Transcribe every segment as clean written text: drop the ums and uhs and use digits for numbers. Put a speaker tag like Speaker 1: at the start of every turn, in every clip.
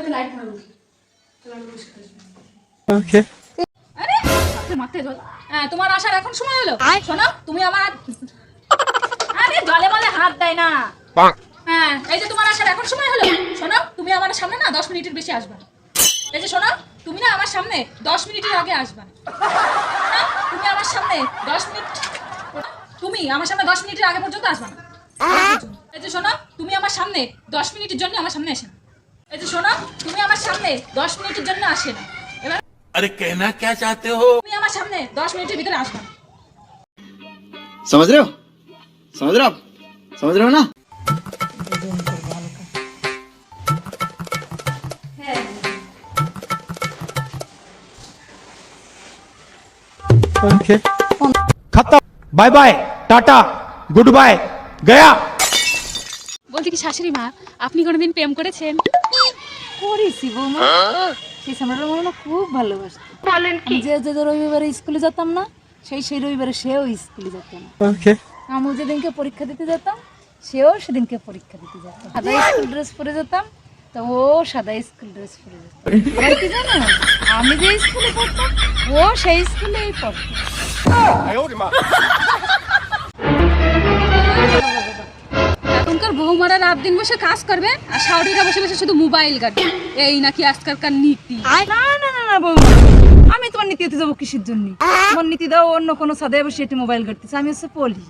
Speaker 1: Light মারবো।
Speaker 2: ওকে
Speaker 1: আরে মাথায় জল। হ্যাঁ, তোমার আসার এখন সময় হলো। শোনো, তুমি আমার আরে জলে মলে হাত দেয় না। হ্যাঁ, এই যে তোমার আসার এখন সময় হলো। শোনো, তুমি আমার সামনে না 10 মিনিটের বেশি আসবে না। এই যে শোনো, তুমি না আমার সামনে 10 মিনিটের আগে আসবে না। হ্যাঁ, তুমি আমার সামনে 10 মিনিট আগে পর্যন্ত আসবে না। এই যে শোনো, তুমি আমার সামনে 10 মিনিটের জন্য আমার সামনে আসে না। এই যে শোনো, তুমি আমার সামনে 10 মিনিটের জন্য আসে না। এবার
Speaker 3: अरे कहना क्या चाहते हो?
Speaker 1: তুমি আমার সামনে 10 মিনিটের ভিতরে আসবে না।
Speaker 4: समझ रहे हो आप समझ रहे हो ना।
Speaker 2: ओके खत्म bye bye tata good bye गया।
Speaker 1: বলছি কি শাশুড়ি মা, আপনি কোনোদিন প্রেম করেছেন?
Speaker 5: করেছি বৌমা। সেই সামরাটা আমার না খুব ভালোবাসতো। বলেন কি? যে রবিবারে স্কুলে যেতাম না, সেই রবিবারে সেও স্কুলে যেত না।
Speaker 2: ओके
Speaker 5: আমি যেদিনকে পরীক্ষা দিতে যেতাম, সেও সেদিনকে পরীক্ষা দিতে যেত। সাদা স্কুল ড্রেস পরে যেতাম, তো ও সাদা স্কুল ড্রেস পরে যেত। আর কি জানো, আমি যে স্কুলে পড়তাম, ও সেই স্কুলেই পড়তো।
Speaker 1: এখনকার বৌমারা রাত দিন বসে কাজ করবে আর শাওরিরা বসে বসে শুধু মোবাইল ঘাটবে, এই নাকি আজকালকার নীতি।
Speaker 5: না বৌমা, আমি তোমার নীতিতে যাবো কিসের জন্য? তোমার নীতি দাও অন্য কোনো সাদায় বসে একটু মোবাইল ঘাটতেছে, আমি হচ্ছে পলি।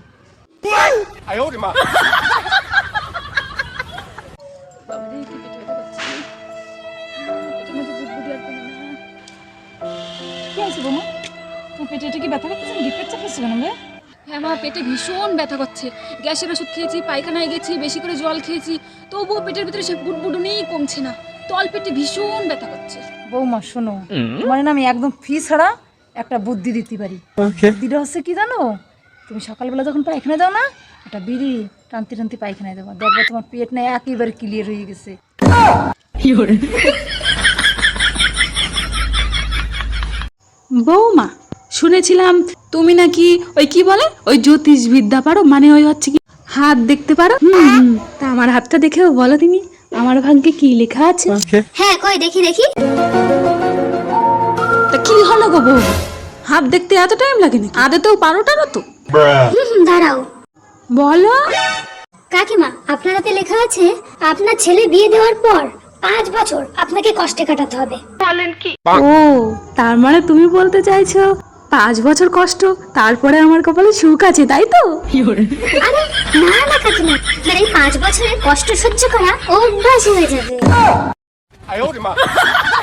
Speaker 5: কি আছে বৌমা, তোমার পেটে এটা কি ব্যথা করতেছে? পেট চাপড়েছে কেন রে?
Speaker 1: হ্যাঁ মা, পেটে ভীষণ ব্যথা করছে। গ্যাসের ওষুধ খেয়েছি, পায়খানায় গেছি, বেশি করে জল খেয়েছি, তবুও পেটের ভিতরে সে বুটবুটুনেই কমছে না। তল পেটে ভীষণ ব্যথা করছে।
Speaker 5: বৌমা শোনো, মানে না আমি একদম ফি ছাড়া একটা বুদ্ধি দিতে পারি।
Speaker 2: ओके
Speaker 5: বুদ্ধিটা হচ্ছে কি জানো, তুমি সকালবেলা যখন পায়খানা দাও না, একটা বিড়ি টানতে টানতে পায়খানায় দেবো, দেখবে তোমার পেট না একেবারে ক্লিয়ার হয়ে গেছে।
Speaker 6: বৌমা, শুনেছিলাম তুমি নাকি ওই কি বলে ওই জ্যোতিষ বিদ্যা পারো, মানে ওই হচ্ছে কি হাত দেখতে পারো। তা আমার হাতটা দেখেও বলো তুমি আমার ভাগ্যে কি লেখা আছে।
Speaker 2: ओके
Speaker 7: হ্যাঁ কই দেখি দেখি।
Speaker 6: তা কি হলো গো বউ, হাত দেখতে এত টাইম লাগে নাকি? আদেতেও পারোটারও তো
Speaker 7: দাঁড়াও।
Speaker 6: বলো।
Speaker 7: কাকিমা, আপনার হাতে লেখা আছে আপনার ছেলে বিয়ে দেওয়ার পর 5 বছর আপনাকে কষ্টে কাটাতে হবে।
Speaker 6: ও, তার মানে তুমি বলতে চাইছো 5 বছর কষ্ট, তারপরে আমার কপালে সুখ আছে, তাই তো?
Speaker 7: আরে না কাকিমা, আপনার এই 5 বছরের কষ্ট সহ্য করা অভ্যাস হয়ে যাবে।